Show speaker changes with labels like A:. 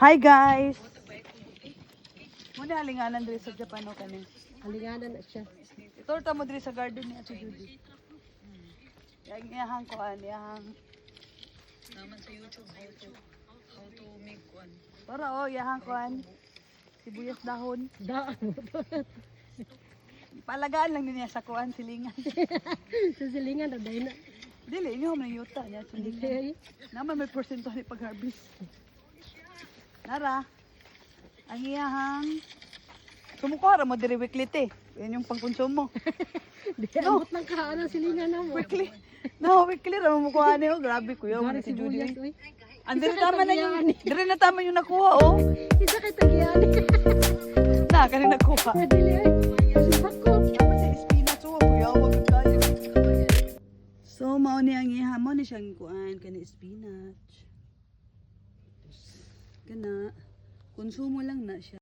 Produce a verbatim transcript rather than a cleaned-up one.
A: Hi guys! Muna halinganan diri sa Japan o kanin.
B: Halinganan na siya.
A: Itorta mo diri sa garden ni Ate Judy. Yang iyahang kuan, iyahang
C: Naman sa YouTube how to how to make one.
A: para oh, iyahang kuan. Sibuyas dahon.
B: Daan mo to.
A: Palagaan lang niya sa kuan silingan.
B: Sa silingan na dahil na.
A: Dili inyo man yuta niya silingan.
B: Okay.
A: Naman may porsyento ni pag-harvest. Nara. Ang iyahang sumukara mo diri weekly te. Yan yung pangkonsumo.
B: Di abot ng kaan ang silingan na mo.
A: Weekly. No, weekly ra mo kuha niyo. Grabe kuya mo
B: Gari
A: si Judy.
B: sibuyas, uy.
A: Andiri
B: Isa kay
A: tama na yung
B: Tagiani.
A: dire na tama yung nakuha oh.
B: Isa kay Tagiani.
A: Na kani nakuha.
B: Dili ay. Subak ko.
A: Dapat sa spinach oh, kuya wag kayo. So mao ni ang ihamo ni siyang kuan kani spinach. Kana konsumo lang na siya.